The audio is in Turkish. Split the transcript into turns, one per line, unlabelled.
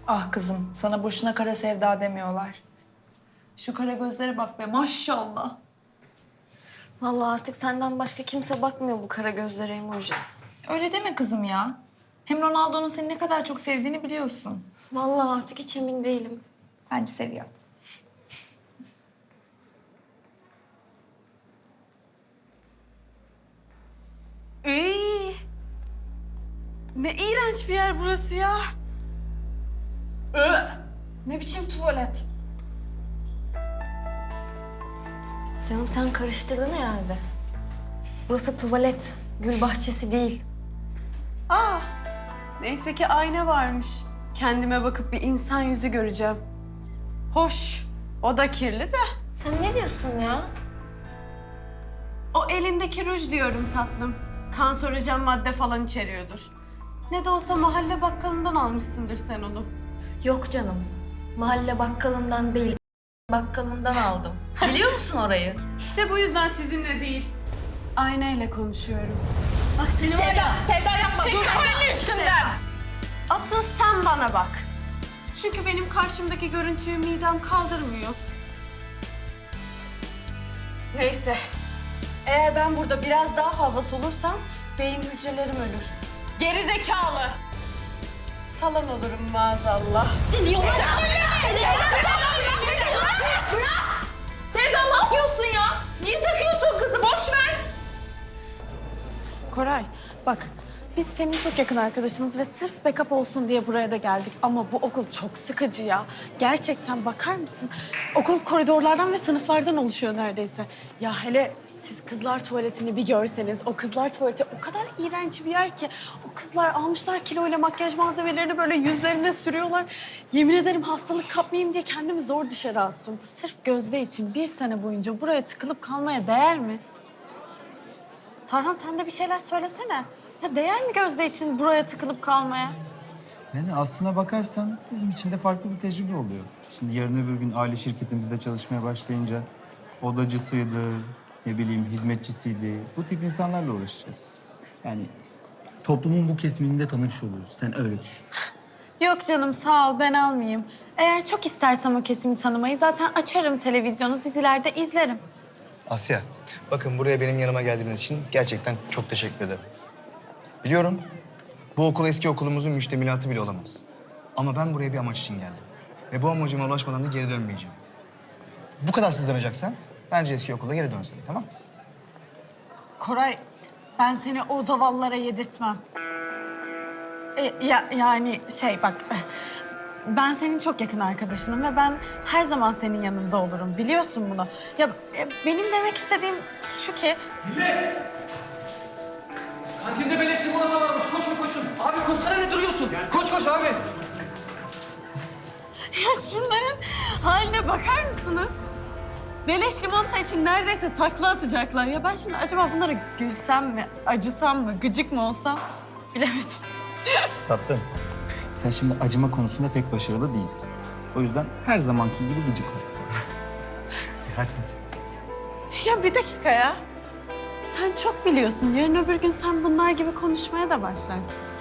Ah kızım, sana boşuna kara sevda demiyorlar. Şu kara gözlere bak be, maşallah.
Vallahi artık senden başka kimse bakmıyor bu kara gözlere emoji.
Öyle deme kızım ya. Hem Ronaldo'nun seni ne kadar çok sevdiğini biliyorsun.
Vallahi artık hiç emin değilim.
Bence seviyor.
İyi. Ne iğrenç bir yer burası ya.
Ne biçim tuvalet? Canım sen karıştırdın herhalde. Burası tuvalet, gül bahçesi değil.
Aa, neyse ki ayna varmış. Kendime bakıp bir insan yüzü göreceğim. Hoş, o da kirli de.
Sen ne diyorsun ya?
O elindeki ruj diyorum tatlım. Kanserojen madde falan içeriyordur. Ne de olsa mahalle bakkalından almışsındır sen onu.
Yok canım. Mahalle bakkalından değil, bakkalından aldım. Biliyor musun orayı?
İşte bu yüzden sizinle değil, aynayla konuşuyorum.
Bak seni var ya.
Sevda yapma, dur.
Üstümden. Asıl sen bana bak. Çünkü benim karşımdaki görüntüyü midem kaldırmıyor. Neyse. Eğer ben burada biraz daha fazla solursam beyin hücrelerim ölür. Geri zekalı. Falan olurum maazallah.
Seni yola
Sevda ne yapıyorsun ya? Niye takıyorsun kızı? Boş ver.
Koray, bak biz senin çok yakın arkadaşınız ve sırf backup olsun diye buraya da geldik. Ama bu okul çok sıkıcı ya. Gerçekten bakar mısın? Okul koridorlardan ve sınıflardan oluşuyor neredeyse. Ya hele siz kızlar tuvaletini bir görseniz, o kızlar tuvaleti o kadar iğrenç bir yer ki. O kızlar almışlar kiloyla makyaj malzemelerini böyle yüzlerine sürüyorlar. Yemin ederim hastalık kapmayayım diye kendimi zor dışarı attım. Sırf Gözde için bir sene boyunca buraya tıkılıp kalmaya değer mi? Tarhan sen de bir şeyler söylesene. Ya değer mi Gözde için buraya tıkılıp kalmaya?
Yani aslına bakarsan bizim için de farklı bir tecrübe oluyor. Şimdi yarın öbür gün aile şirketimizde çalışmaya başlayınca odacısıydı, ne bileyim hizmetçisiydi. Bu tip insanlarla uğraşacağız. Yani toplumun bu kesimini de tanımış oluyoruz. Sen öyle düşün.
Yok canım sağ ol ben almayayım. Eğer çok istersem o kesimi tanımayı zaten açarım televizyonu, dizilerde izlerim.
Asya, bakın buraya benim yanıma geldiğiniz için gerçekten çok teşekkür ederim. Biliyorum, bu okul eski okulumuzun müştemilatı bile olamaz. Ama ben buraya bir amaç için geldim. Ve bu amacıma ulaşmadan da geri dönmeyeceğim. Bu kadar sızlanacaksan bence eski okula geri dönsen, tamam?
Koray ben seni o zavallara yedirtmem. Yani bak ben senin çok yakın arkadaşınım ve ben her zaman senin yanında olurum biliyorsun bunu. Ya benim demek istediğim şu ki
Kantinde beleş limonata varmış. Koşun koşun. Abi koşsana ne duruyorsun? Koş koş abi.
ya şunların haline bakar mısınız? Beleş limonata için neredeyse takla atacaklar. Ya ben şimdi acaba bunlara gülsem mi, acısam mı, gıcık mı olsam bilemedim.
Tatlım. Sen şimdi acıma konusunda pek başarılı değilsin. O yüzden her zamanki gibi gıcık ol. Hadi.
Ya bir dakika ya. Sen çok biliyorsun. Yarın öbür gün sen bunlar gibi konuşmaya da başlarsın.